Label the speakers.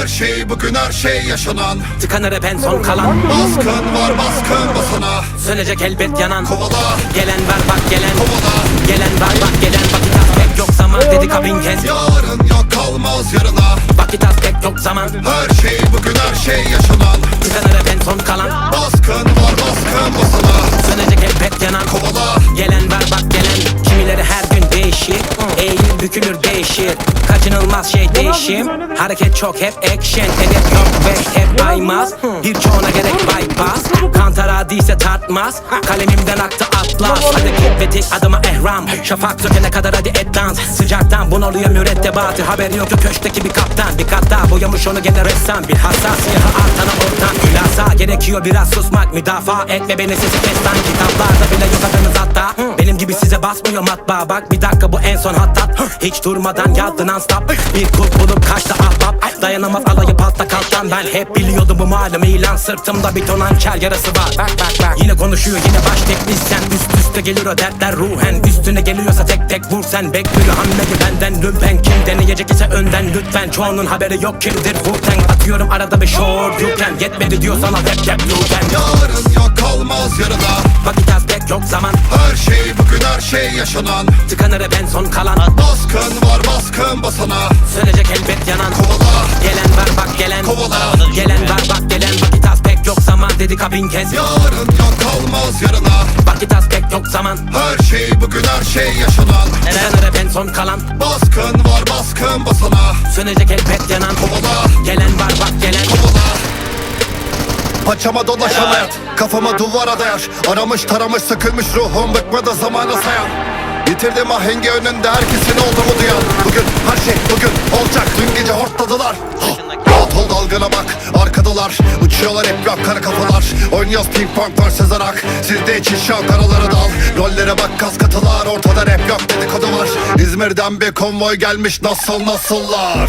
Speaker 1: Her şey bugün her şey yaşanan.
Speaker 2: Tıkanır hep en son kalan.
Speaker 1: Baskın var baskın basana.
Speaker 2: Sönecek elbet yanan.
Speaker 1: Kovala.
Speaker 2: Gelen var bak gelen.
Speaker 1: Kovala.
Speaker 2: Gelen var bak gelen. Vakit az pek yok zaman dedik ha bin kez.
Speaker 1: Yarın yok kalmaz yarına.
Speaker 2: Vakit az pek yok zaman.
Speaker 1: Her şey bugün her şey yaşanan.
Speaker 2: Tıkanır hep en son kalan.
Speaker 1: Baskın var baskın basana.
Speaker 2: Sönecek elbet yanan.
Speaker 1: Kovala.
Speaker 2: Gelen var bak gelen. Kimileri her gün değişir. Eğilir bükülür değişir. Kaçınılmaz şey değişim. Hareket çok hep action. Hedef yok ve hep aymaz. Birçoğuna gerek bypass. Kantara değilse tartmaz. Kalemimden aktı atlas. Hadi kip ve tik adıma ehram. Şafak sökene kadar hadi et dans. Sıcaktan bunalıyor mürettebatı. Haberi yok ki köşkteki bir kaptan. Bir kat daha boyamış onu gene ressam. Bir hassas siyahı artana ortam. Hülasa gerekiyor biraz susmak. Müdafaa etme beni sesi kes lan. Kitaplarda bile yok adınız hatta. Benim gibi size basmıyor matbaa. Bak bir dakika bu en son hattat. Hiç durmadan yazdı non stop. Bir kurt bulup kaçtı ahbap. Dayanamaz alayı patla kalktan. Ben hep biliyordum bu malum ilan. Sırtımda bir ton hançer yarası var. Bak yine konuşuyor yine baş teknisyen. Üst üste gelir o dertler ruhen. Üstüne geliyorsa tek tek vur sen. Bekliyor hamleyi benden lümpen. Kim deneyecek ise önden lütfen. Çoğunun haberi yok kimdir Wu-Tang. Atıyorum arada bir short yuken. Yetmedi diyorsan al hep yuken.
Speaker 1: Yarın yok kalmaz yarına.
Speaker 2: Vakit az pek yok zaman.
Speaker 1: Her şey bugün her şey yaşanan.
Speaker 2: Tıkanır hep en son kalan.
Speaker 1: Baskın var baskın basana.
Speaker 2: Sönecek elbet yanan.
Speaker 1: Kovala.
Speaker 2: Gelen var bak gelen.
Speaker 1: Kovala.
Speaker 2: Gelen var bak gelen. Vakit az pek yok zaman dedik ha bin kez.
Speaker 1: Yarın yok kalmaz yarına.
Speaker 2: Vakit az pek yok zaman.
Speaker 1: Her şey bugün her şey yaşanan.
Speaker 2: Tıkanır hep en son kalan.
Speaker 1: Baskın var baskın basana.
Speaker 2: Sönecek elbet yanan.
Speaker 1: Kovala.
Speaker 2: Gelen var bak gelen.
Speaker 1: Kovala. Paçama dolaşan hayat, kafama duvara dayar. Aramış taramış sıkılmış ruhum, bıkmadı zamanı sayan. Yitirdim ahengi önünde herkesin oldu mu duyan. Bugün her şey bugün olacak, dün gece hortladılar. Rahat ol dalgana bak, arkadalar uçuyorlar hep rap kara kafalar. Oynuyoruz ping pong vs rock. Sizde için şan karaları dal. Rollere bak kas katılar, ortada rap yok dedikodu var. İzmir'den bir konvoy gelmiş nasıllar.